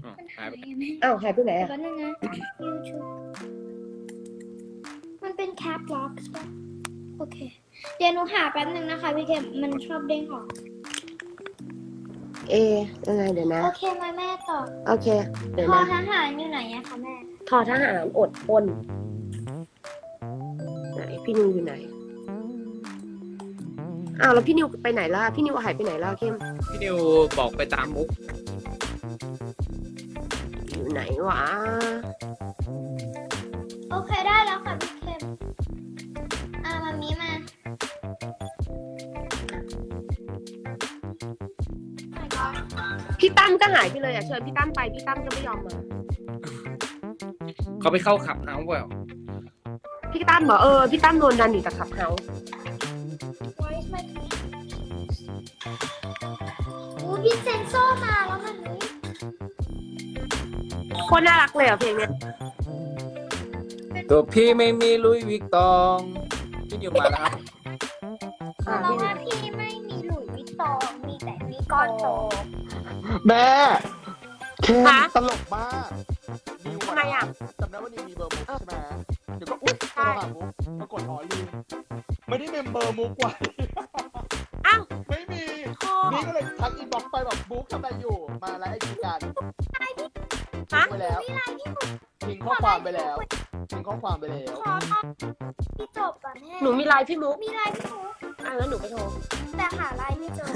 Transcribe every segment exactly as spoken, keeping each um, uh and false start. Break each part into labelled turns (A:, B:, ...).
A: มันหายไป
B: อ้าวหายไปไหนอ่ะ
A: แป๊บนึงนะ YouTube มันเป็นแคปล็อกป่ะโอเค เดี๋ยวหนูหาแป๊บนึงนะคะพี่เคมมันชอบเด้งออก
B: เอยังไงเดี๋ยวนะ
A: โอเคมาแม่ต่อ
B: โอเค เดี๋ยว
A: พอ
B: นะ
A: ทหารอยู่ไหนอะคะแม่
B: ทอทหารอดทนไหนพี่นิวอยู่ไหนอ้าวแล้วพี่นิวไปไหนล่ะพี่นิวหายไปไหนล่ะเข้ม
C: พี่นิวบอกไปตามมุก
B: อยู่ไหนวะ
A: โอเคได้แล้วค่ะพี่เคมอ่ามามีมา my god
B: พี่ตั้มก็หายไปเลยอ่ะเชิญพี่ตั้มไปพี่ตั้มก็ไม่ยอมมา
C: เขาไปเข้าขับเฮาส์เปล่า
B: พี่ตั้มบอกเออพี่ตั้มโดนดันอยู่จากขับเฮาส์
A: why is my connection อู้พี่เซนโซมาแล้วมันนี้
B: โคตรน่ารักเลยอ่ะเพลงเนี้ย
C: ตัวพี่ไม่มีลุยวิกตองพี่นิวมาแล้วครับ
B: อ่า
A: เรา
B: พี่นิ
A: ว่าว พี่ไม่มีหลุยส์วิตตองมีแต่มีก้อนโต
D: แม่เคนตลกมาก
B: ทำไมอ่ะ
D: จำได้ว่านิวมีเบอร์มุกใช่ไหมเดี๋ยวก็อุ๊ยโทรหามุกปรากฏอ๋อลืมไม่ได้เมมเบอร์มุกไว้
B: อ้าว
D: ไม่มี นี่ก็เลยทักอินบ็อกซ์ไปแบบบุ๊กทำอะไรอยู่ มาไลฟ์ไอจีกัน
B: ฮะ
D: ไปแล้ว
A: มีอะไรที่หนู
D: ทิ้งข้อความไปแล้วทิ้งข้อความไปแล้ว
A: ขอตอนที่จบอ่ะแม่
B: หนูมีไลน์พี่มุก
A: มีอะไรพี่หนู
B: อ่ะแล้วหนูไปโทร
A: แต่หาอะไรไม่เจอ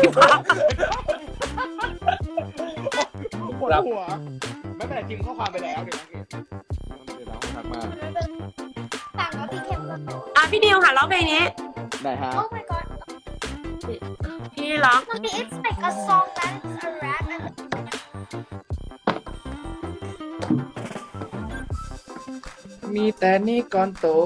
D: ปวดหัวไม่เป็นไรทิ้งข้อความไปแล้วเดี๋ยวนะเดี๋ยวน้องทักมา
A: ต่างกับพี่เข้มก็โต
B: อ่ะพี่นิวค่ะร้องเพลงนี้
D: ไหนฮะ
A: โอ้ my god
B: พี่ร้อง
A: Mommy it's like a song that's a rap and
C: มีแต่นี่ก่อนโต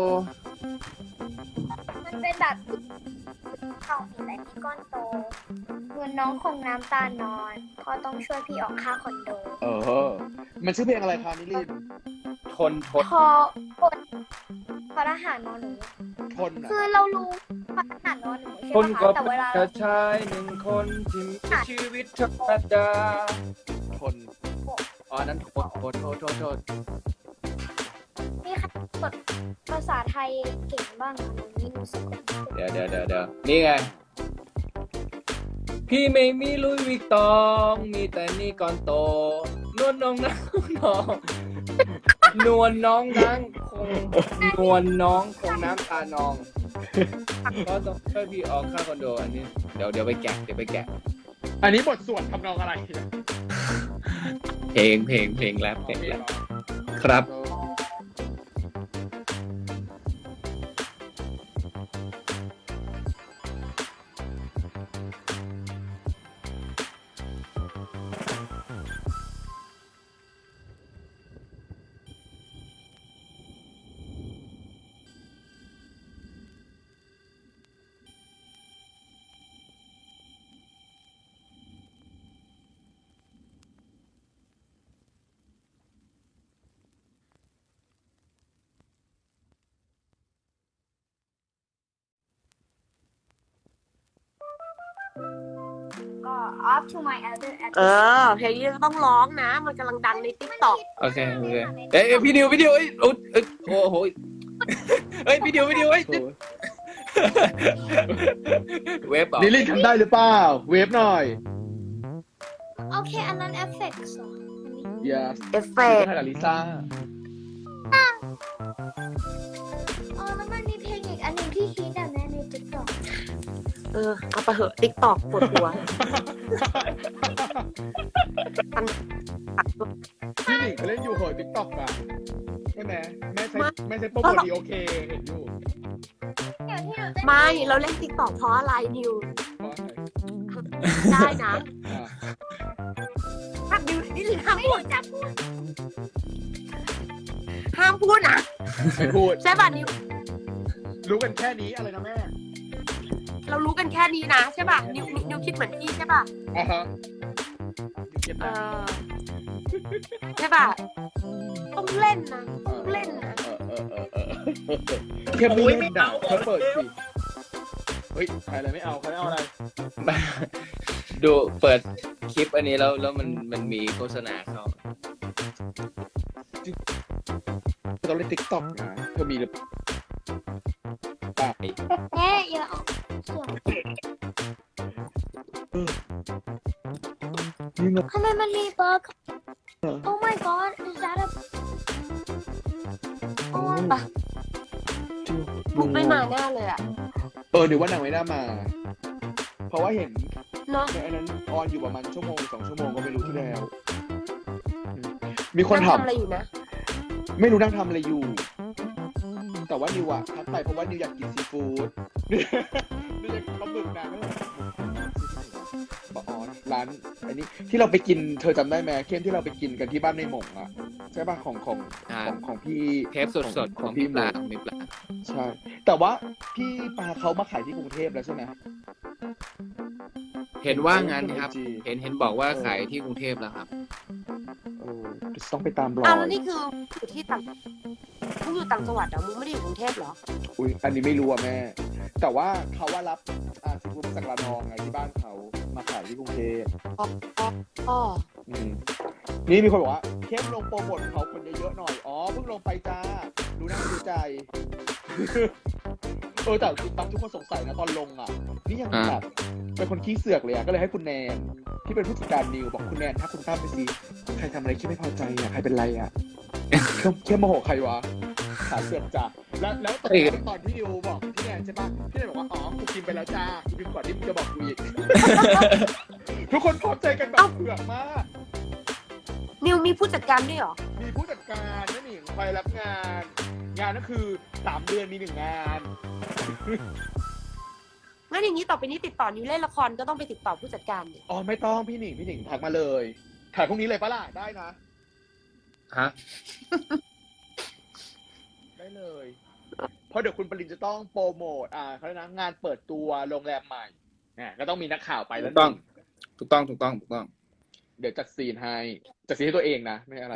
A: มันเป็นแบบเขามีแต่ที่ก้อนโตเงินน้องคงน้ำตานอนเพราะต้องช่วยพี่ออกค่าคอนโด
D: เออ มันชื่อเพลงอะไรคะนิลิน
C: ทนทน
A: พอพอพอทหารนอนหนู
D: ทนอ่ะ
A: คือเรารู้พอทหารนอนหนู
C: ทน
A: ใช่ไหม
C: ก็
A: คะแต่
C: เป็
A: เวนลา
C: แค่ชายหนึ่งคนที่มีชีวิตธรรมดา
D: ทน
C: อ๋อนั้นโทษโทษโทษโทษโทษ
A: นี่ค่ะกดภาษาไทยเก่งบ้างค่ะหนูนี่รู้สึกว่า
C: เดี๋ยวเดี๋ยวเดี๋ยวเดี๋ยวนี่ไง พี่ไม่มีลุยวิกตอง มีแต่นี่ก่อนโต นวลน้องนางน้องนวลน้องนางคงนวลน้องคงน้ำตานอง ก็ต้องช่วยพี่ออกค่าคอนโดอันนี้เดี๋ยวเดี๋ยวไปแกะเดี๋ยวไปแกะ
D: อันนี้บทสวดทำนองอะไร
C: เพลงเพลงเพลงแรปเพลงแรปครับ
A: ก็ off to my other
B: เออเพลงนี้ต้องร้องนะ มันกำลังดังในติ๊กต็อก
C: โอเคโอเคเอ้ยเอ้ยพี่ดิวพี่ดิวเอ้ยอุ๊ยเอ้ยโอ้โหเอ้ยพี่ดิวพี่ดิวเอ้ยเว็บเหรอ
D: นิลินทำได้หรือเปล่า เวฟหน่อย
A: โอเคอันนั้น effects เหรออันนี้
D: yes
B: เอฟเฟก
D: ถ่ายกับลิซ่า
A: อ๋อแล้วมันมีเพลงอีกอันหนึงที่ฮิตอ่ะแม่ใน TikTok
B: เออเอาไปเหอะติ๊กต็อกปวดหัว
D: พี่หนิงเขาเล่นอยู่เหอะติ๊กต็อกอะใช่ไหมแม่ใช้แม่ใช้โปรโมทดีโอเคเห็นอยู่
A: อย่างที่หนูเต้น
B: ไม่เราเล่นติ๊กต็อกเพราะอะไรนิว
D: เพราะอะไร
B: ได้นะ
D: อ่ะ
B: ห้ามนิวนี่ลินห้าม
A: ไม่
B: พูด
A: รู้จะพูด
B: ห้ามพูดนะ
D: ไม่พูด
B: ใช่ป่ะนิว
D: รู้กันแค่นี้อะไรนะแม่
B: เรารู้กันแค่นี้นะใช่ป่ะนิวนิวนิวคิดเหมือนพี่ใช่ป่ะ
D: อ่าฮะเก็บ
B: เอ
D: นะ
B: อใช่ป่ะต้องเล่นนะต้องเล่นนะ
D: เออเออเออเออแค่ไม่เล่นด่าเธอเปิดสิ เฮ้ยใครอะไรไม่เอาใครไม่เอาอะไร
C: ดูเปิดคลิปอันนี้แล้วแล้วมันมันมีโฆษณาเข้า
D: ตอนเล่นติ๊กต็อกนะเธอมีหรือเปล่า
A: แม่อย่าเอาเสียง
D: นี่มัน
A: ทำไมมันมีเบิร์ก Oh my god is that a
B: โอ้ยปะบุกไม่มาแน่เลยอ่ะ
D: เออเดี๋ยวว่านางไม่น่ามา เพราะว่าเห็น
B: เนาะ
D: ในอันนั้นออนอยู่ประมาณชั่วโมงสองชั่วโมงก็ไม่รู้ที่แล้ว มีคน
B: นั่ง
D: ถาม
B: ทำอะไรอยู่นะ
D: ไม่รู้นั่งทำอะไรอยู่ แต่ว่านิวอะทักไปเพราะว่านิวอยากกินซีฟู้ดนิวอยากกินปลาหมึกนะไม่เลยปลาออนร้านอันนี้ที่เราไปกินเธอจำได้ไหมเข้มที่เราไปกินกันที่บ้านในหม่งอะใช่ป่ะของของ
C: อ่า
D: ของของพี่
C: เทปสดๆ
D: ข
C: ข
D: อ
C: อง ง
D: พี่
C: พี่
D: ห
C: ป
D: มู
C: ลาของพี่ปลา
D: ใช่ แต่ว่าพี่ปลาเขามาขายที่กรุงเทพแล้วใช่ไหม
C: เห็นว่างั้นครับ
D: จริง
C: เห็นเห็นบอกว่าขายที่กรุงเทพแล้วครับ
D: เออต้องไปตามรอ
B: อ้าวย แล้วนี่คืออยู่ที่ต่างมึงอยู่ต่างจังหวัดเหรอมึงไม่ได้อยู่กรุงเทพเหรอ
D: อุ้ยอันนี้ไม่รู้อะแม่ แต่ว่าเขาว่ารับอ่าซีฟู้ดมาจากระนองไงที่บ้านเขามาขายที่กรุงเทพ
B: อ๋ออ๋อ
D: อืมนี่มีคนบอกว่าเข้มลงโปรโมทเขาคนเยอะๆหน่อย อ๋อเพิ่งลงไปจ้า ดูหน้าดูใจ เออแต่ตามทุกคนสงสัยนะตอนลงอ่ะ นี่ยังแบบเป็นคนขี้เสือกเลยอ่ะ ก็เลยให้คุณแนนที่เป็นผู้จัดการนิวบอกคุณแนนถ้าคุณตั้มไปสิใครทำอะไรที่ไม่พอใจอ่ะใครเป็นไรอ่ะ เข้มเข้มโมโหใครวะขาเสือกจ้ะแล้วแล้วตอนนั้นตอนที่นิวบอกพี่แนนใช่ปะพี่แนนบอกว่าอ๋อกูกินไปแล้วจ้ากูกินก่อนที่มึงจะบอกกูอีก ทุกคนพร้อมใจกันแบบเผือกมาก
B: นิวมีผู้จัดการด้วยเหรอ
D: มีผู้จัดการนั่นเองคอยรับงาน งานก็คือสามเดือนมีหนึ่งงาน
B: งั้นอย่างนี้ต่อไปนี้ติดต่อนิวเล่นละครก็ต้องไปติดต่อผู้จัดการดิ
D: อ๋อไม่ต้องพี่หนิงพี่หนิงทักมาเลยถ่ายพรุ่งนี้เลยปะล่ะได้นะ
C: ฮะ
D: ได้เลย เพราะเดี๋ยวคุณปรินจะต้องโปรโมทอ่าเขาเรียกนะงานเปิดตัวโรงแรมใหม่เนี่ยก็ต้องมีนักข่าวไปแล้ว
C: ถูกต้อง ถูกต้องถูกต้องถูกต้อง
D: เดี๋ยวจัดซีนให้จัดซีนให้ตัวเองนะไม่อะไร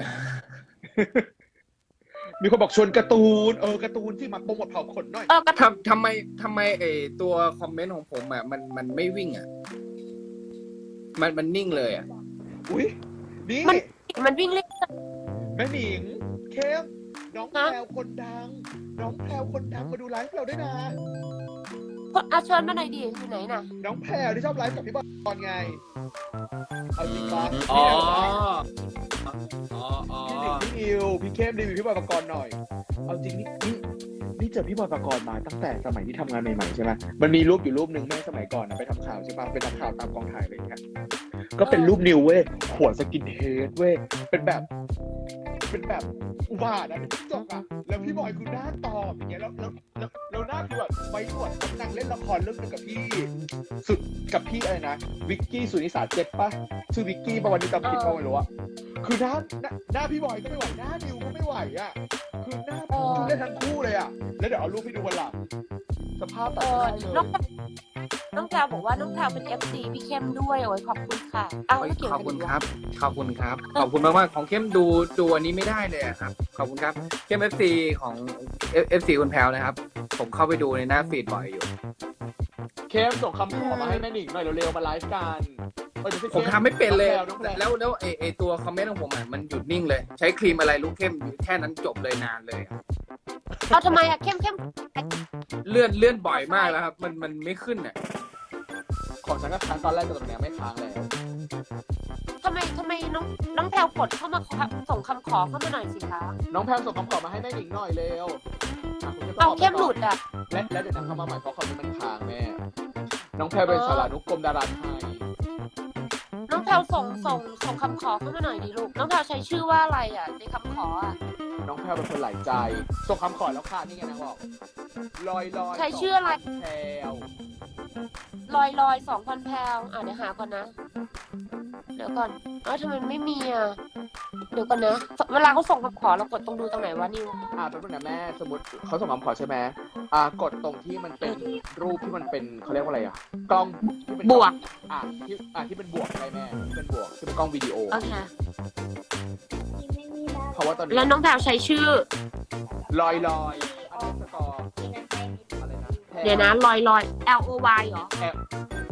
D: มีคนบอกชวนการ์ตูนเออการ์ตูนที่มาโปรโมทเผาขนหน่อย
B: เออก็
C: ทำทำไมทำไมไอตัวคอมเมนต์ของผมอ่ะมันมันไม่วิ่งอ่ะ มันมันนิ่งเลยอ่ะ
D: อุ้ยนี่
B: มันมันวิ่งเล่น
D: แม่หนิงเข้มน้องแพ
B: ฮะ
D: รวคนดัง น้องแพรวคนดังมาดูไลฟ์เราด้วยนะ
B: คนอาเชิญมาหน่อยดิอยู่ไหนน่ะ
D: น้องแพรวที่ชอบไลฟ์กับพี่บอลไง เอาจริงปะ
C: อ๋อ
D: พี่
C: อ๋ออ๋อ
D: หนิงพี่นิวพี่เข้มรีวิวพี่บอยปกรณ์หน่อย เอาจริงนี่นี่นี่เจอพี่บอยปกรณ์มาตั้งแต่สมัยที่ทำงานใหม่ๆใช่ไหมมันมีรูปอยู่รูปหนึ่งแม่สมัยก่อนนะไปทำข่าวใช่ปะไปทำข่าวตามกองถ่ายอะไรอย่างเงี้ยก็เป็นรูปนิวเว้ยหัวสกินเฮดเว้ยเป็นแบบ เป็นแบบอุบาทอะเป็นจิ้งจกอะแล้วพี่บอยคือหน้าตอบอย่างเงี้ยแล้วแล้วแล้วแล้วหน้าคือแบบไว้หนวดนางเล่นละครเรื่องนึงกับพี่ สุดกับพี่อะไรนะวิกกี้สุนิสาเจ็บปะชื่อวิกกี้ปะวันนี้จำผิดปะไม่รู้อะคือหน้าหน้าหน้าพี่บอยก็ไม่ไหวหน้านิวก็ไม่ไหวอะคือหน้าทุเล่นทั้งคู่เลยอะแล้วเดี๋ยวเอารูปให้ดูวันหลังสภาพแบ
B: เอบ อ
D: ได้เลย
B: น้องน้องแพรวบอกว่าน้องแพรวเป็น เอฟ ซี พี่เข้มด้วยโอ้ยขอบคุณค่ะอ้าวไม่เกี่ยว
C: ข
B: กั
C: อบ
B: น
C: คุณ
B: อีก
C: ค
B: วะ
C: รับ ขอบคุณครับ ขอบคุณมากมากๆของเข้มดูดูอันนี้ไม่ได้เลยอะครับ ขอบคุณครับ เข้ม เอฟ ซี ของ เอฟ ซี คุณแพลวนะครับ ผมเข้าไปดูในหน้าฟีดบ่อยอยู่
D: เข้มส่งคำขอมาให้แม่หนิงหน่อยเร็วๆมาไลฟ์กันเออเดี๋ยวสิ
C: ผมทำไม่เป็นเลย
D: น้องแพรวน้องแพรว
C: แล้วแล้วไอไอตัวคอมเมนต์ของผมอ่ะมันหยุดนิ่งเลย ใช้ครีมอะไรลูกเข้มแค่นั้นจบเลยนานเลยอะ
B: เอาทำไมอะเข้มเข้ม
C: เลื่อนเลื่อนบ่อยมากแล้วครับ มันมันไม่ขึ้นอ่ะ
D: ของฉันก็ค้างตอนแรกแต่ตอนนี้ไม่ค้างแล้ว
B: ทำไมทำไมน้องน้องแพรวกดเข้ามาขอส่งคำขอเข้ามาหน่อยสิคะ
D: น้องแพมส่งคำขอมาให้แม่หนิงหน่อยเร็วอ่ะคุณจะต
B: เอา
D: บ
B: เข้มหลุดอะ
D: และและเดี๋ยวนะเข้ามาใหม่เพราะคอมเมนต์มันค้างแม่ น้องแพมเป็นสารานุกรมดาราไทย
B: น้องแพรวส่งส่งส่งคำขอเข้ามาหน่อยดิลูกน้องแพรวใช้ชื่อว่าอะไรอะในคำขออะ
D: น้องแพมเป็นคนหลายใจ ส่งคำขอแล้วค่ะนี่ไงนางบอกลอยลอย
B: ใช้ชื่ออะไร
D: แพรว
B: ลอยลอยสองพันแพรวอ่ะเดี๋ยวหาก่อนนะ เดี๋ยวก่อนเอ้าทำไมไม่มีอ่ะเดี๋ยวก่อนนะเวลาเขาส่งคำขอเรากดตรงดูตรงไหนวะนิว
D: อ่าแป๊บนึงนะแม่สมมติเขาส่งคำขอใช่ไหมอ่ากดตรงที่มันเป็นรูปที่มันเป็นเขาเรียกว่าอะไรอ่ะกล้องที่เป็น
B: บวก
D: อ่าที่อ่าที่เป็นบวกอะไรแม่ที่เป็นบวกที่เป็นกล้องวิดีโอ
B: โอเค
A: ไม่มีแล้ว
D: เพราะว่าตอนนี้
B: แล้วน้องแพรวใช้ชื่อ
D: ลอยลอยอันนี้สกอร์อะไรนะแพร
B: เดี๋ยวนะลอยลอย L O Y เหรอ
D: แพร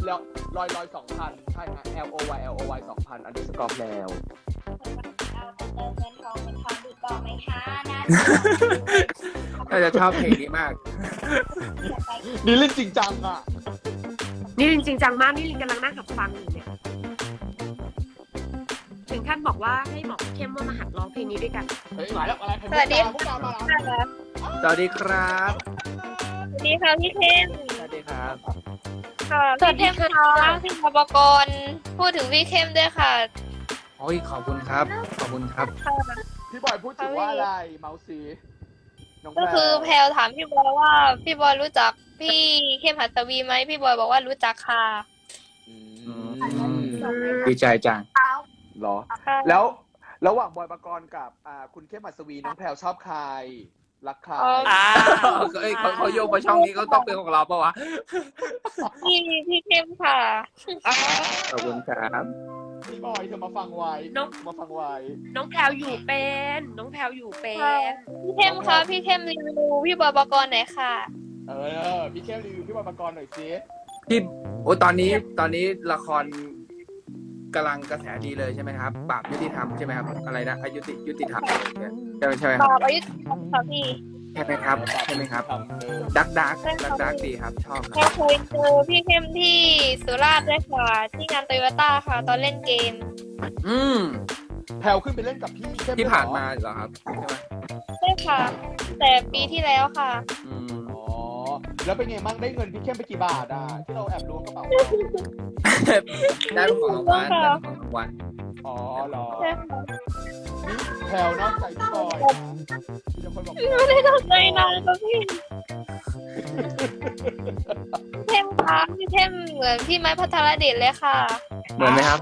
D: แล้วลอยลอยสองพันใช่ฮะ L O Y L O Y สองพันอันนี้สกอร์แล้ว
A: เอาแต่เติมเงินทองเป็นทองดีกว่าไหมคะนะ
C: น่าจะชอบเพลงนี้มาก
D: นี่เล่นจริงจังอ่ะ
B: นี่ลินจริงจังมากนี่ลินกำลังนั่งกับฟังอยู่เนี่ยถึงขั้นบอกว่าให้บอกเข้มว่ามาหัดร้องเพลงนี้ด้วยกัน
D: เฮ้ยมาแล้วอะไร
A: สวัสดี
D: พวกเรามาแล้ว
C: สวัสดีครับ
A: สวัสดีค่ะพี่เข้ม
C: สวัสดีครับ
A: ค่ะพี่เข้มคะพี่บกรพูดถึงพี่เข้มด้วยค่ะ
C: โอ้ยขอบคุณครับ ขอบคุณครับ
D: พี่บอยพูดถึงว่าอะไรเมาซีน้องแพร
E: ก็คือแพลวถามพี่บอยว่าพี่บอยรู้จักพี่เข้มหัสวีไหมพี่บอยบอกว่ารู้จักค่ะ
D: อืม
C: ดีใจจัง
D: เหรอ แล้วระหว่างบอยปกรณ์กับอ่าคุณเข้มหัสวีน้องแพรวชอบใครรักใคร
E: อ๋อ
C: อ้าวเอ้ยเขาเขาโยกมาช่องนี้เขาต้องเป็นของเราปะวะ
E: พี่พี่เข้มค่ะ
C: ขอบคุณครับ
D: พี่บอยเธอมาฟังไว้
B: น้อง
D: มาฟังไว้
B: น้องแพลวอยู่เป็น น้องแพลวอยู่เป็น
E: พี่เข้มคะพี่เข้มรีวิวพี่บอยปกรณ์หน่อยค่ะ
D: เออพี่เข้มรีวิวพี่บอยปกรณ์หน่อยสิ
C: พี่โอ้ตอนนี้ตอนนี้ละครกำลังกระแสดีเลยใช่ไหมครับบาปยุติธรรมใช่ไหมครับอะไรนะอายุติยุติธรรมอะไรอย่างเงี้ยใช่ไหมใช่ไหมครับ
E: ตอบอายุค่ะพี่
C: ใช่ไหมครับใช่ไหมครับ
D: ทำเออ
C: ดักดักดักดักดีครับชอบค
E: แพล
C: รับ
E: วเคยเจอพี่เข้มที่สุราษฎร์ด้วยค่ะที่งานโตโยต้าค่ะ ตอนเล่นเกม
C: อืม
D: แพรวขึ้นไปเล่นกับพี่เข้ม
C: ที่
D: ด้วยเหรอ
C: ผ่านมาเหรอครับใช่ไหม
E: ใช่ค่ะ แต่ปีที่แล้วค่ะ
C: อืม
D: อ๋อแล้วเป็นไงมั่งได้เงินพี่เข้มไปกี่บาทอ่ะที่เราแอบล้วงกระเป๋า
C: ได้เป็นของรางวัลได้เป็นของรางวัล
D: อ๋อเหรอ
E: ใช่ค่ะ
D: นี่แพรวนอกใจพี่บอยนะมีแต่คนบอก
E: ไม่ได้ตั้งใจนานค่ะพี่พี่เข้มคะพี่เข้มเหมือนพี่ไม้พัทรเดชเลยค่ะ
C: เหมือนไหมครับ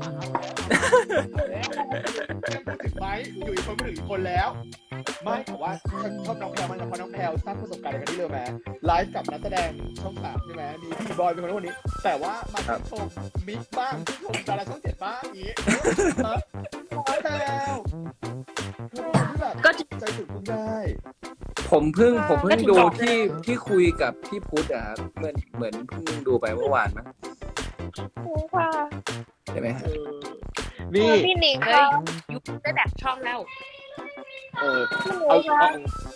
D: เข้มพูดถึงไหมอยู่อีกคนพูดถึงอีกคนแล้ว ไม่แต่ว่าฉันชอบน้องแพรวมากนะเพราะน้องแพรวสร้างประสบการณ์อะไรกันที่เร็วไหมไลฟ์กับนักแสดงช่องสามใช่ไหมมีพี่บอยเป็นคนคนนี้ แต่ว่ามาชื่นชมมิกบ้างชื่นชมดาราช่องเจ็ดบ้างอย่างนี้เออน้องแพรวเธอที่แบบ
B: ก็
D: ใจถึงคุณได้
C: ผมเพิ่งผมเพิ่
B: ก็
C: ง
B: ถึง
C: ดู
B: บอก
C: ที่ที่คุยกับพี่พุทธอะครับเหมือนเหมือนเพิ่งดูไปเมื่อวานมั้ง
E: ค่ะ
C: ใช่ไหมฮะ
D: เออนี่
E: พี่หนิง
B: เฮ้
E: ค่ะ
B: ยยุคได้แบบช่องแล้ว
D: เออ
E: พี่หนิ
D: เอา
E: งค่ะ
D: เอา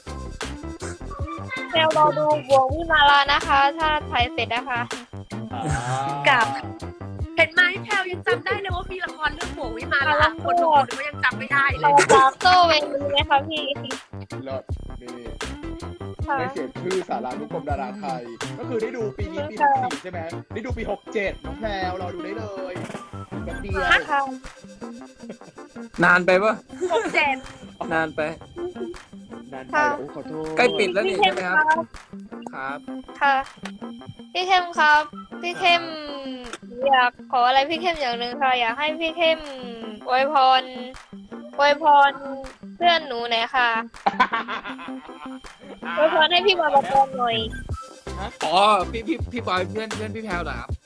E: แนวรอดูบวงวิมาลานะคะ ถ้าถ่ายเสร็จนะคะ
B: กับ เห็นไหมแพลวยังจำได้เลยว่ามีละครเรื่องโบวิมาละคนดูคนก็ยังจำไม่ได้เล
E: เรา
B: ย
E: ตามโซ่เวนีไหมคะพี่
D: เลิศนี่
E: ค่ะ
D: ได้เสียชื่อสารานุกรมดาราไทย ก็คือได้ดูปีนี้ปีหกสี่ใช่ไหมได้ดูปีหกเจ็ดน้องแพรวรอดูได้เลยแบบเดียว
E: ค่ะ
C: นานไปปะ
B: หกเจ็ด
C: นานไป
D: นานไปโอ้ขอโทษ
C: ใกล้ปิดแล้วนี่
E: พี่เข้
C: ใช่
E: ม
C: ไหมค
E: ครับ รับ
C: ครับ
E: ค่ะ พี่เข้มครับ พี่เข้มอยากขออะไรพี่เข้มอย่างหนึ่งค่ะ อยากให้พี่เข้มอวยพรอวยพรเพื่อนหนูหน่อยค่ะอวยพรให้พี่บอยปกรณ์หน่อย
C: อ๋อพี่พี่พี่บอยเพื่อนเพื่อนพี่แพลวเหรอครับ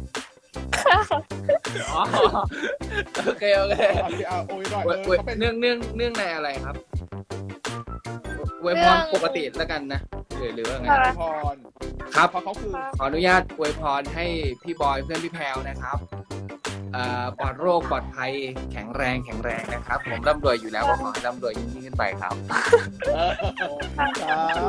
C: อ๋อโอเคโอเค
D: เอาสิเอาโอ้ยหน่อย
C: เว้
D: เอย อ
C: เว้ย
D: เขาเป็น
C: เนื่องเนื่องเนื่องในอะไรครับเวยพรปกติแล้วกันนะหรือหรือว่าไง
E: ค่ะ
D: พร
C: ครับ
D: เพราะเขาคือ
C: ขออนุญาตอวยพรให้พี่บอยเพื่อนพี่แพลวนะครับเอ่อปลอดโรคปลอดภัยแข็งแรงแข็งแรงนะครับ ผมร่ำรวยอยู่แล้วก็ขอให้ร่ำรวยยิ่งยิ่งขึ้นไปครับ
D: เออสาธุ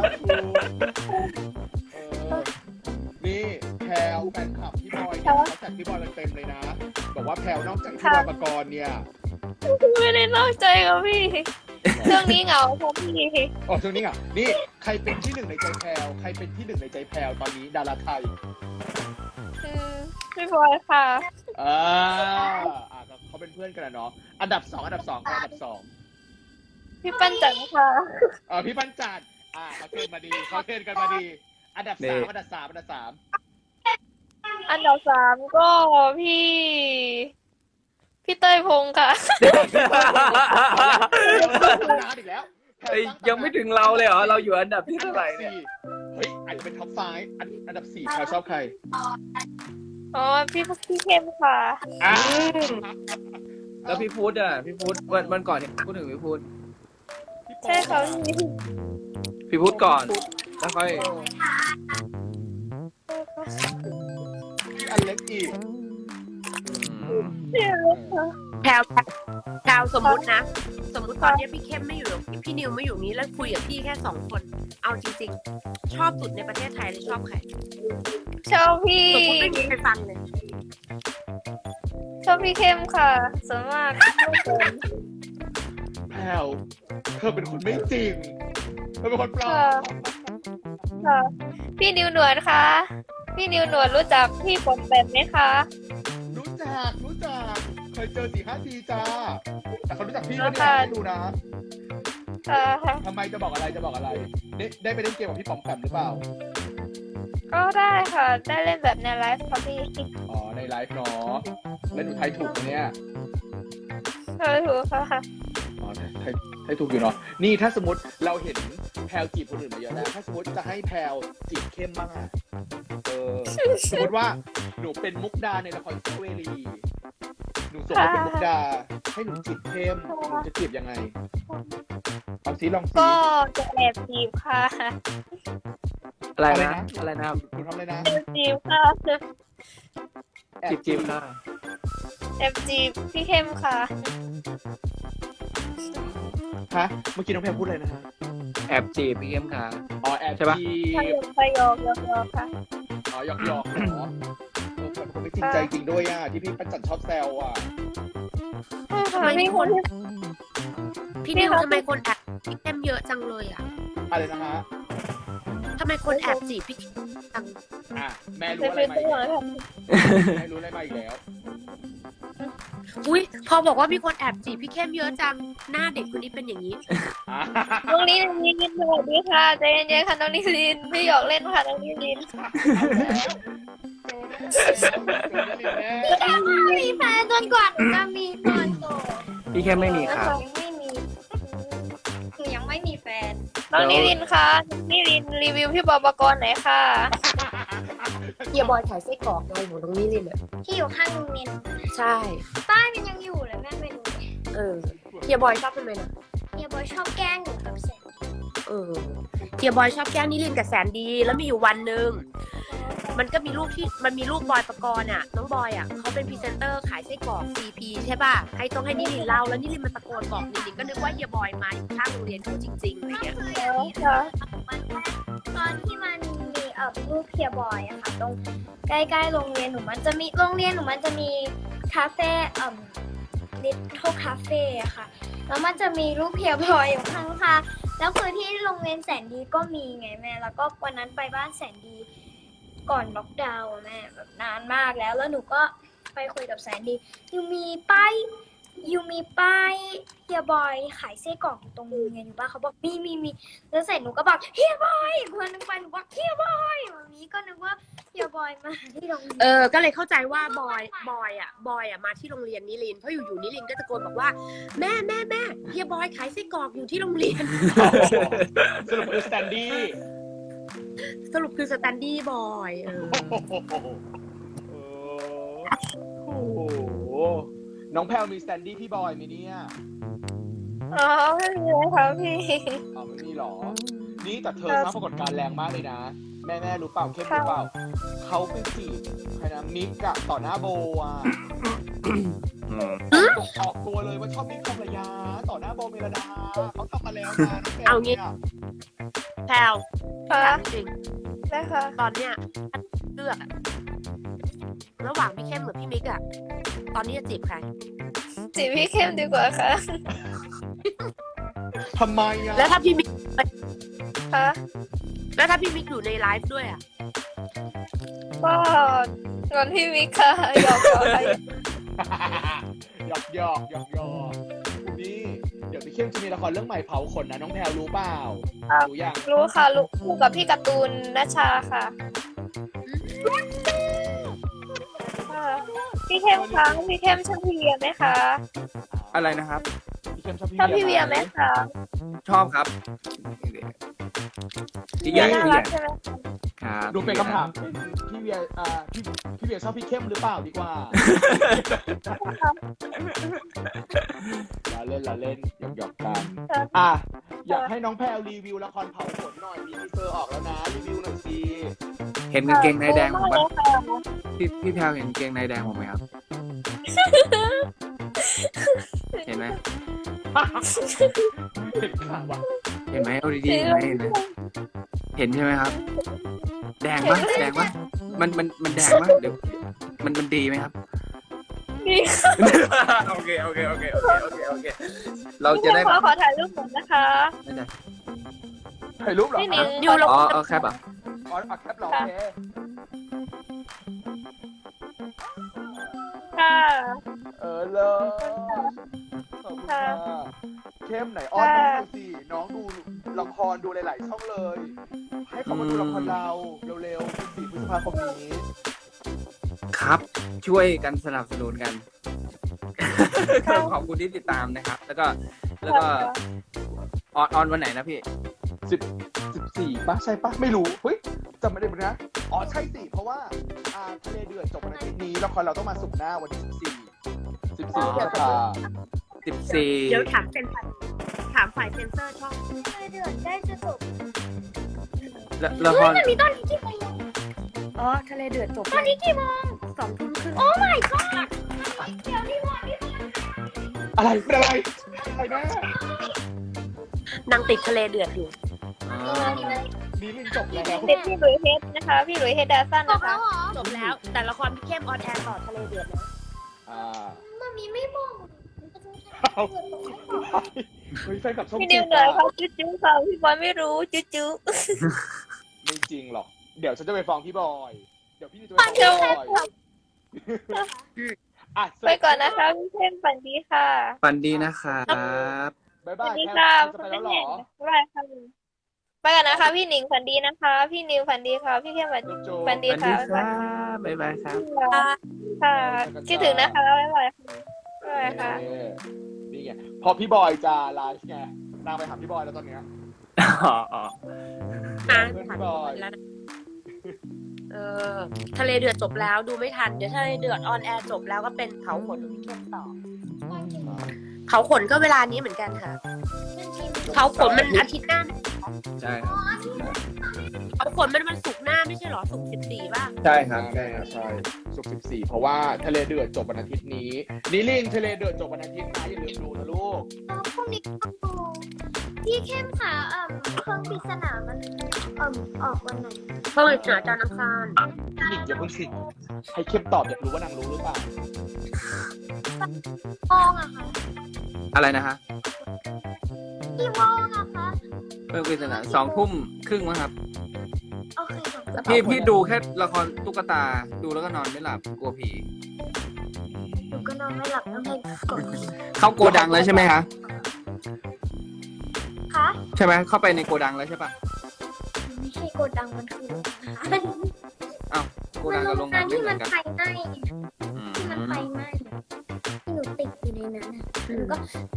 D: เออนี่แพรวแฟนคลับพี่บอยเนี่ยเขาแท็กพี่บอยกันเต็มเลยนะ บอกว่าแพรวนอกจากพี่บอยปกรณ์เนี่ย
E: ไม่ได้นอกใจกับพี่เรื่องนี้เหงาค่ะพี่
D: อ๋อช่วงนี้อ่ะนี่ใครเป็นที่หนึ่งในใจแพรวใครเป็นที่หนึ่งในใจแพรวตอนนี้ดาราไทย
E: อืมพี่บอยค่ะ
D: อ่าอ่าเขาเป็นเพื่อนกันนะเนาะอันดับสองอันดับสองอันดับสอง
E: พี่ปั้นจันค่ะ
D: เออพี่ปัญจัดอ่าเขาเทรนมาดีเขาเทรนกันมาดี อันดับ
C: นี่
D: สามอันดับสามอันดับสาม
E: อันดับสามก็พี่ พี่เต้ยพงษ์ค่ะ
D: นานอีกแล้ว
C: เอ้ยยังไม่ถึงเราเลยเหรอเราอยู่อันดับที่เท่าไหร่เนี่ย
D: เฮ้ยอาจจะเป็นท็อปไฟว์อันอันดับสี่เขาชอบใคร
E: อ๋อพี่พี่เข้มค่ะ
D: อ่า
C: แล้วพี่พุทธอ่ะพี่พุทธวันวันก่อนเนี่ยพูดถึงพี่พุทธ
E: ใช่ค่ะพี่
C: พี่พุทธก่อนแล้วค่อย
D: พี่อเล็กอีก
B: แพลวแพลวสมมุตินะ สมมุติตอนนี้พี่เข้มไม่อยู่พี่นิวไม่อยู่นี้แล้วคุยกับพี่แค่สองคน เอาจริงๆ ชอบสุดในประเทศไทยเลยชอบใคร
E: ชอบพี่
B: สมมติไม่มีใครฟังเลย
E: ชอบพี่เข้มค่ะส่วนมาก
D: แพลวเธอเป็นคนไม่จริงเธอเป็นคนปลอ
E: ค่ะ
D: ม
E: ค่ะ พี่นิวหนวดคะ พี่นิวหนวดรู้จักพี่ปอมแปมไหมคะ
D: รู้จักรู้จักเคยเจอสี่ห้าทีจ้าแต่เขารู้จักพี่
E: แล้
D: ก็
E: ว
D: เนี่ย
E: ค่ะ
D: ให้ดูนะ
E: ค่ะ
D: ทำไมจะบอกอะไรจะบอกอะไร ได้ได้ไปเล่นเกมกับพี่ปอมแปมหรือเปล่า
E: ก็ได้ค่ะ ได้เล่นแบบในไลฟ์ค่ะพี่
D: อ๋อในไลฟ์เนาะแล้วหนูไทยถูกไหมเนี่ย
E: เออถูกค่ะ
D: อ๋อไทยไทยถูกอยู่เนาะนี่ถ้าสมมติเราเห็นแพลวจีบคนอื่นมาเยอะแล้วถ้าสมมติจะให้แพลวจีบเข้มบ้างอะเออสมมติว่าหนูเป็นมุกดาในละครซิเวลีหนูส่งไปเป็นมุกดาให้หนูจีบเข้มหนูจะจีบยังไงเอาซิลองซิ
E: ก็จะแอบจีบค่ะ
C: อะไรนะ อะไรนะครับ
D: หนูทำอะไรนะ
E: แอบจีบค่ะ
D: แอบ
C: จิบจิบค่ะ
E: แอบจีบพี่เข้มค่ะ
D: ฮะเมื่อกี้น้องแพลวพูดอะไรนะฮะ
C: แอบจีบพี่เข้มค่ะ
D: อ๋อแอบ
C: ใช่ปะ
D: จี
E: พย
D: บ
E: องพยองยองยองค่ะ
D: อ๋อหยอกหยอกเหรอเออแต่ผมไม่จริงใจจริงด้วยอ่ะที่พี่ประจันชอบแซวอ่ะ
B: ทำไมมีคน พี่นิว
E: พี่คะ
B: ทำไมคนแอบพี่เข้มเยอะจังเลยอ่ะ
D: อะไรนะฮะ
B: ทำไมคนแอบจีบพี่เข้มจัง
D: อ่ะแม่รู้
E: ใน
D: อะไร
E: ฟิล
D: มา
E: เต
D: อี
E: อก ร์
D: แล้ว
E: ค่ะ
D: แม่รู้อะไรมาอีกแล้ว
B: อุ้ยพอบอกว่ามีคนแอบจีบพี่เข้มเยอะจัง หน้าเด็กคนนี้เป็นอย่างนี้
D: อ่ะ
E: น้องนิลินสวัสดีค่ะใจเย็นๆค่ะน้องนิลินพี่หยอกเล่นค่ะน้องนิลิน
A: มีแฟนจนกว่าหนูจะมีตอนโต
C: พี่เข้มไม่มีครับ
A: หนูยังไม่มีหนูยังไม่มีแฟน
E: น้องนิลินคะนิลินรีวิวพี่บอยปกรณ์หน่อยค่ะ
B: เฮียบอยขายไส้กรอกไงหนูตรงนี้เลยเนี่ย
A: ที่อยู่ข้างโรงเรียน
B: ใช่
A: ป้ายมันยังอยู่เลยแม่ไปดูดิ
B: เออเฮียบอยชอบทำไมนะ
A: เฮียบอยชอบแกล้งหนูกับแสง
B: เออเฮียบอยชอบแกล้งนิรินทร์กับแสนดี แล้วมีอยู่วันหนึ่งมันก็มีรูปที่มันมีรูปบอยปกรณ์อ่ะน้องบอยอ่ะเขาเป็นพรีเซนเตอร์ขายไส้กรอก ซี พี ใช่ป่ะให้ต้องให้นิรินทร์เล่าแล้วนิรินทร์มันตะโกนบอกนิรินทร์ก็นึกว่าเฮียบอยมาอยู่ข้างโรงเรียนเขาจริงๆอะไรเงี้ย
A: คือ
E: อ๋
A: อย่าง
E: อ
A: นี้
E: ค่ะ
A: มันตอนที่มันมีเอ่อรูปเฮียบอยอะค่ะตรงใกล้ๆโรงเรียนหนูมันจะมีโรงเรียนหนูมันจะมีคาเฟ่เอ่อลิทเทิลคาเฟ่อะค่ะแล้วมันจะมีรูปเฮียบอยอยู่ข้างๆแล้วคือที่โรงเรียนแสนดีก็มีไงแม่แล้วก็วันนั้นไปบ้านแสนดีก่อนล็อกดาวน์อะแม่แบบนานมากแล้วแล้วหนูก็ไปคุยกับแสนดียูมีป้ายยูมีป้ายเฮียบอยขายไส้กรอกอยู่ตรงโรงเรียนอยู่ป่ะเขาบอกมีมีมีแล้วเสร็จหนูก็บอกเฮียบอยอีกคนนึงไปหนูบอกเฮียบอยแบบนี้ก็นึกว่าเฮียบอยมาที่โรงเรียน
B: เออก็เลยเข้าใจว่าบอยบอยอ่ะบอยอ่ะมาที่โรงเรียนนิรินทร์เพราะอยู่ๆนิรินทร์ก็ตะโกนบอกว่าแม่แม่แม่เฮียบอยขายไส้กรอกอยู่ที่โรงเรียน
D: สรุปคือสแตนดี้
B: สรุปคือสแตนดี้บอยเออ
D: โอ้โหน้องแพลวมีสแตนดี้พี่บอยไหมเนี่ย
E: อ๋อไม่มีเลยค่ะพี่
D: อ๋อไม่มีหรอ นี่แต่เธอสร้างปรากฏการณ์แรงมากเลยนะ แม่แม่รู้เปล่าเข้มรู้เปล่าเขาไปจีบใครนะมิกอะต่อหน้าโบอะออกตัวเลยว่าชอบมิกทองระยาต่อหน้าโบเมลดาเขาทำมาแล้วนะน้องแพลว
B: เอางี้
D: นี่ย
B: แพลว
E: ค่ะ
B: ถามจริง
E: นะคะ
B: ตอนเนี้ยเลือกอะระหว่างพี่เข้มกับพี่มิกอะตอนนี้จะจีบใคร
E: จีบพี่เข้มดีกว่าค่ะ
D: ทำไมอะ
B: แล้วถ้าพี่มิก
E: ค่ะ
B: แล้วถ้าพี่มิกอยู่ในไลฟ์ด้วยอะ
E: ก็งอนพี่มิกค่ะหยอกหยอกค่ะ
D: หยอกหยอกหยอกหยอกนี่เดี๋ยวพี่เข้มจะมีละครเรื่องใหม่เผาขนนะน้องแพลวรู้เปล่ารู้ยัง
E: รู้ค่ะรู้คู่กับพี่การ์ตูนนัชชาค่ะค่ะพี่เข้มคะพี่เข้มชอบพี่เวียไหมคะ
C: อะไรนะครับ
D: พี่เข้มชอบพี่
E: ชอบพี่เวียไหมคะ
C: ชอบครับจริง
E: เวีย
C: ๆ
E: น่า
C: พี่
E: รักใช่ไหม
C: ครับ
D: ดูเป็นคำถามพี่เวียอ่าพี่พี่เวียชอบพี่เข้มหรือเปล่าดีกว่าเราเล่นเราเล่นหยอกหยอกกันอ่ะอยากให้น้องแพลวรีวิวละครเผาขนหน่อยมีทีเซอร์ออกแล้วนะรีวิวหน่อยสิ
C: เห็นกางเกงในแดงผม
E: มาก
C: ปะ
E: เลยค่ะ
C: พี่พี่แพลวเห็นกางเกงในแดงผมไหมครับ เห็นไหม
D: เห็นข่าวว่ะ
C: เห็นไหมเอาดีๆเห็นไหมเห็นไหมเห็นใช่ไหมครับ แดงปะแดงปะมันมันมันแดงปะเดี๋ยวมันมันดีไหมครับ
E: ดี
C: โอเคโอเคโอเคโอเคโอเคโอเคเรา
E: พี่
C: จะ
E: เข้
C: ได้
E: มขอขอถ่ายรูปหน่อยนะคะ
C: ไม่ได้
D: ถ่ายรูปเหรอ
E: พี่หนิง
B: อยู่ลง
C: อ๋อเอาแคปอ่ะ
D: อ๋อเอาแคปเหรอโอเค
E: ค่ะ
D: เออเลยขอบคุณค่ะเข้มไหนอ้อนน้องดูสิน้องดูละครดูหลาย ๆ ช่องเลย ให้เขามาดูละครเราเร็วๆสี่พฤษภาคมนี้
C: ครับ ช่วยกันสนับสนุนกัน ขอบคุณที่ติดตามนะครับ แล้วก็แล้วก็ออนออนวันไหนนะพี่
D: สิบสิบสี่ป่ะใช่ป่ะไม่รู้เฮ้ยจำไม่ได้เหมือนกันนะอ๋อใช่สิเพราะว่าอ่าทะเลเดือดจบวันอาทิตย์นี้ละครเราต้องมาสุกร์หน้าวันที่สิบสี่สิบสี่พฤษภา
C: สิบสี่
B: เดี๋ยวถามเซนถามฝ่ายเซนเซอร์ช่อง
A: เดือนใกล้จะจบ
C: ละละค
A: เฮ้ย
C: ร
A: มันมีตอนนี้กี่โมง
B: อ๋อทะเลเดือดจบ
A: ตอนนี้กี่โมง
B: สองทุ่มครึ่ง
A: โอ้ my god เดี๋ยวนี่วันนี่วัน
D: อะไรเป็นอะไรอะไรนะ
B: นางติดทะเลเดือดอยู่
C: อ๋อ
D: นี่ลิงจบแล้ว
E: เป็นพี่หลุยเฮดนะคะ พี่หลุยเฮดดาซัน
A: จ
E: นะ
A: บแล้
E: คะ
A: วเหรอ
B: จบแล้ว แต่ละครพี่เข้มออนแอร์ต่อทะเลเดือดนะ
D: อ่า
A: มันมีไม่บอก
D: เอาเฮ้ยแฟนกับช่อง
E: พี่
D: เจ็
E: นิว
D: ด
E: เหนื่อย
D: อะ
E: ค่ะจุ๊จุ๊ค่ะพี่บอยไม่รู้จุ๊จุ๊
D: ไม่จริงหรอกเดี๋ยวฉันจะไปฟ้องพี่บอยเดี๋ยวพี่จะไปฟ้องพี่บอยอ่ะ
E: ไปก่อนนะคะพี่เข้มฝันดีค่ะ
C: ฝันดีนะครับ
D: บ๊าย
E: ส
D: บา
E: วั
D: ย
E: สดี
D: แค่
E: ค่ะ
D: จะไปแล้วเหรอ
E: บ๊ายบายค่ะไปก่อนนะคะ พี่หนิงฝันดีนะคะ พี่นิวฝันดีค่ะ พี่เข้มฝัน
D: จุ๊บจุ๊บ
E: ฝันดี
C: ฝันดี
E: ค่ะ
C: ครับบ๊ายบายครับ
E: ค่ะคิดถึงนะคะบ๊ายบายค่ะบ๊ายบายค่ะ
D: เออนี่ไงพอพี่บอยจะไลฟ์ไงนางไปหาพี่บอยแล้วตอนเนี้ย
C: อ๋ออ๋อ
B: อ่ะ
D: เพื่อน
B: ผ่าน
D: พี่บอย
B: แล้วนะเออทะเลเดือดจบแล้วดูไม่ทัน เดี๋ยวทะเลเดือดออนแอร์จบแล้วก็เป็นเขาขนของพี่เข้มต่อ เขาขนก็เวลานี้เหมือนกันค่ะ เขาขนมันอาทิตย์หน้า
C: ใช่ครับ
B: เขาขนมันมันศุกร์หน้าไม่ใช่เหรอศุกร์สิบสี่ป่ะ
C: ใช่ครับ
D: ใช่ใช่ศุกร์สิบสี่เพราะว่าทะเลเดือดจบวันอาทิตย์นี้นิลินทะเลเดือดจบวันอาทิตย์นะอย่าลืมดูนะลูก
A: แล้วพรุ่งนี้ก็ดูพี่เข้มค่ะเอ่อเครื่องปริศนามันเอ่อออกวันไหน
B: เพิ่งเจอจานอังคาร
D: พี่หนิงอย่าเพิ่งสิให้เข้มตอบอยากรู้ว่านางรู้หรือเปล่า
A: โมงอะคะ
C: อะไรนะฮะ
A: กี่โมงอะคะ
C: เพิ่งเป็นสนามสองทุ่มครึ่งมั้งครับ
A: โอเคค่ะ
C: พี่พี่ดูแค่ละครตุ๊กตาดูแล้วก็นอนไม่หลับกลัวผี
A: หนูก็นอนไม่หลับต้องให้กด
C: เข้าโกดังแล้วใช่ไหมคะ
A: คะ
C: ใช่ไหมเข้าไปในโกดังแล้วใช่ปะ
A: ไม่ใช่กดดังมันคือโรงงาน
C: อ้าวโก
A: มั
C: ดั
A: น
C: ง
A: โร
C: กับโรง งาน
A: งาน
C: ไม่
A: ที่
C: เหมื
A: มั
C: อน นกัน
A: ไฟไหม้
C: อืม
A: ที่มันไฟไหม้ที่หนูติดอยู่ในนั้นอะหนูก็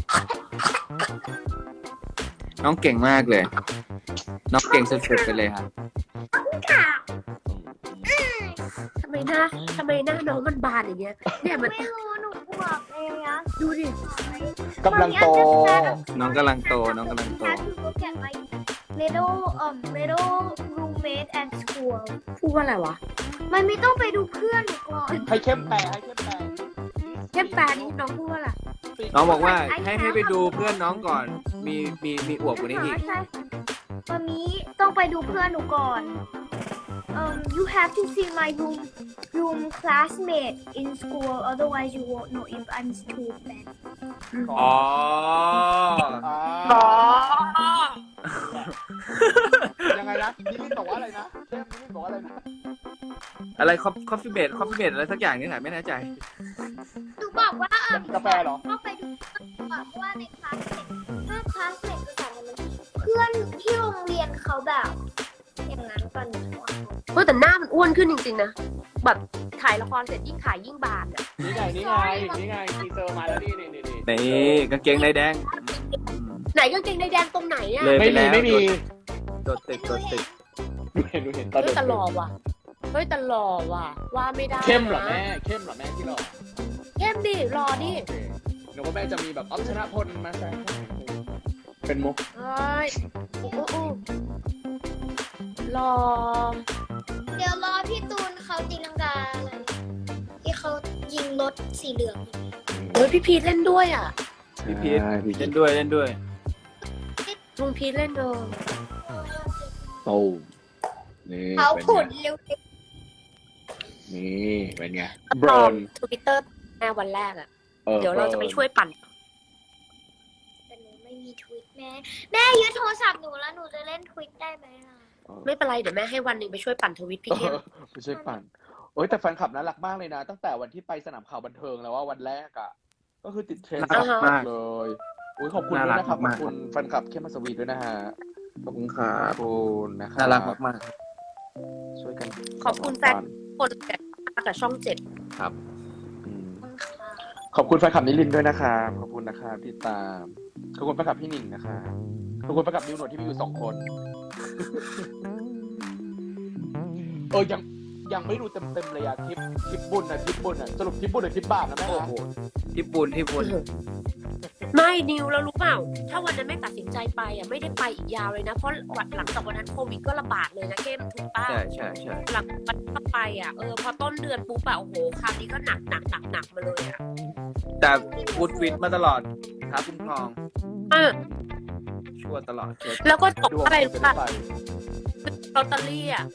C: น้องเก่งมากเลย น้องเก่งสุดๆไปเลยครับ
A: ค่ะ
B: ทำไมหน้าทำไมหน้าน้องมันบานอย่างเงี้ย เนี่ยมัน
A: ไม่รู้หนูบวกเองนะ
B: ดูดิ
D: กำลังโต
C: น้องกำลังโตน้องกำลังโต
A: Have to look at my little um little roommate at school
B: พูดว่าอะไรวะ
A: มันไม่ต้องไปดูเพื่อนหนูก่อน
D: ให้เข้มแปลให้เข้มแปล
B: เข้มแปลนี่น้องพูดว่าอะไร
C: น้องบอกว่าให้ให้ไปดูเพื่อนน้องก่อน มีมีมีอวบกว่านี้อีก
A: ใช่วันนี้ต้องไปดูเพื่อนหนูก่อน um you have to see my room room classmate in school otherwise you won't know if I'm stupid
C: อ๋อ
D: อ๋อยังไงนะนิลินบอกว่าอะไรนะเข้มนิลินบอกว่าอะไรนะ
C: อะไรคอฟคอฟฟี่เบดคอฟฟี่เบดอะไรสักอย่างนี่แหละไม่แน่ใจ
A: หนูบอกว่าเออก
D: าแฟเหรอ
A: ต้องไปดูเพื่อนก่อนเพราะว่าในคลาสเมทถ้าคลาสเมทภาษาอะไรมันเพื่อนที่โรงเรียนเขาแบบอย่างนั้นก่อนหนูว่า
B: เฮ้ยแต่หน้ามันอ้วนขึ้นจริงๆนะ แบบถ่ายละครเสร็จยิ่งถ่ายยิ่งบานอ่ะ
D: นี่ไงนี่ไงนี่ไงทีเซอร์มาแล้วนี่นี่นี่นี่
C: นี่กางเกงในแดงอืม
B: ไหนกางเกงในแดงตรงไหนอ่ะ
C: เลย
D: ไม่มีไม่มี
C: โดดตึกโดดตึก
D: ดูเห็นดูเห็นตอน
B: เฮ้ย
D: เด็ก
B: แต่หล่อว่ะ เฮ้ยแต่หล่อว่ะ ว่าไม่ได้นะ
D: เข้มเหรอแม่เข้มเหรอแม่ที่หล่อ
B: เข้มดิหล่อดิ
D: โอเคหนูว่าแม่จะมีแบบอ๊อฟชนะพลมาแซงเป็นมุก
B: เฮ้ยอู้อู้หล่อ
A: เดี๋ยวดี๋ยวรอพี่ตูนเขาตีลังกาอะไรที่เขายิงรถสีเหลือง
B: เฮ้ยพี่พีทเล่นด้วยอ่ะ
C: พี่พีท
D: ใช่พี่พี
C: เล่
D: ท
C: นด้วยเล่นด้วย
B: ลุงพีทเล่นเดอ
D: โตนี่
A: เขา
D: เป็น
A: ขุด
D: ไง
A: เร็ว
D: นี่เป็นไง
B: ป
D: บร
B: ลอ
D: อ
B: ม
D: น
B: ทวิตเตอร์แม่วันแรกอ่ะ
D: ออ
B: เดี๋ยวเราจะไปช่วยปั่น
A: ๆแต่หนูไม่มีทวิตแม่แม่ยึดโทรศัพท์หนูแล้วหนูจะเล่นทวิตได้ไหมล่ะ
D: เออ
B: ไม่เป็นไรเดี๋ยวแม่ให้วันหนึ่งไปช่วยปั่นทวิตพี่เข้ม
D: ไปช่วยปั่นโอ้ยแต่แฟนคลับน่ารักมากเลยนะ ตั้งแต่วันที่ไปสนามข่าวบันเทิงแล้วว่าวันแรกอ่ะ ก็คือติดเทรนด์
C: น่ารักมาก
D: เลยอุ้ยขอบคุณ
C: น่า
D: ด้วย
C: รัก
D: นะครับข
C: มา
D: อก บคุณแฟนคลับเข้มมัสวีด้วยนะฮะ
C: ขอบคุณครั
D: ขอ
C: บบ
D: คุณนะครับ
C: น่ารักมาก
D: ช่วยกัน
B: ขอบคุณแฟน คนแต่กับช่องเจ็ด
C: ๆครับ
D: อืม
A: ค่ะ
D: ขอบคุณแฟนคลับนิลินทร์ด้วยนะครับขอบคุณนะครับที่ตามขอบคุณแฟนคลับพี่หนิงนะครับขอบคุณแฟนคลับนิวหนวดที่มีอยู่สองคน เออยังยังไม่ดูเต็มเต็มๆเลยอะทริปทริปบุญอะทริปบุญอะสรุปทริปบุญหรือทริปบาปนะแม่
C: โอ้โหที่ปุนที่ปุน
B: ไม่นิวแล้วรู้เปล่า ถ้าวันนั้นไม่ตัดสินใจไปอ่ะไม่ได้ไปอีกยาวเลยนะ เพราะหลังจากวันนั้นโควิดก็ระบาดเลยนะเข้มถูกป้า
C: ใช่ใช่ใช่
B: หลังวันต่อไปอ่ะเออพอต้นเดือนปุ๊บอะโอ้โหคราวนี้ก็หนักหนักหนักหนักมาเลยอ่ะ
C: แต่พูดฟิตมาตลอดครับคุ้มครอง
B: อ่ะ
C: ช่วยตลอดช่วย
B: แล้วก็ตก
D: ดวง
B: อะไร
D: จะ
B: รู้
D: ได้
B: ป่ะ
D: ไป
B: ลอตเตอรี่อ่ะ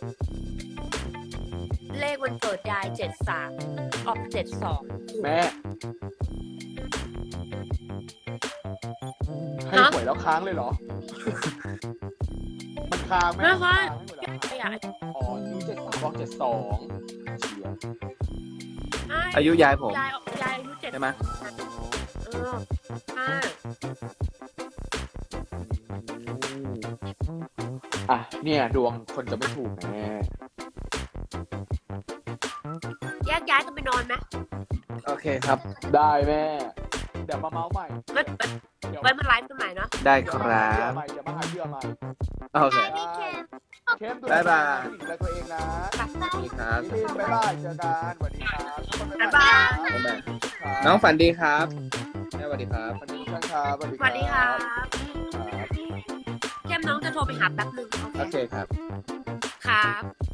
B: เลขวันเกิดยายเจ็ดสามออกเจ็ดสอง
D: แม่ให้หวยแล้วค้างเลยเหรอ มันค้างไหม
B: ไม่ค่ะ
D: ค้างให้หวยแล้วค้าง
B: ยาย
D: อ๋อยูเจ็ดสามบอกเจ็ดสองเชียร์
C: อายุยายผม
B: ยายยายอายุเจ็ด
C: ใช่ไหม
B: เอออ่า
D: อ่ะเนี่ยดวงคนจะไม่ถูกแม่
B: แยกย้ายกันไปนอนไหม
C: โอเคครับ
D: ได้แม่ เดี๋ยวมาเมาส์ใหม่
B: ไว้
D: เดี๋ยว
B: ไว้มาไลฟ์กันใหม่เนาะ
C: ได้
D: เดี๋
C: ค
D: ยว
C: รั
D: มาหาเหยื่อบ ใหม่เดี๋ยวมาหาเหยื่อใหม่
C: โอเค
A: พี่เคม
D: เข้มดู
C: บ๊ายบาย
D: ดูแลตัวเองนะ
C: สวัสดีครับ
D: นิลินบ๊ายบายเจอกันสวัสดีครับทุกคน
B: บ๊ายบาย
C: บ๊ายบาย
D: ครับ
C: น้องฝันดีครับแม่สวัสดีครับ
D: สวัสดีครับสวัสดี
B: สวัสดีครับ
D: ครับ
B: เข้มน้องจะโทรไปหาแป๊บนึง
C: โอเคครับ
B: ครับ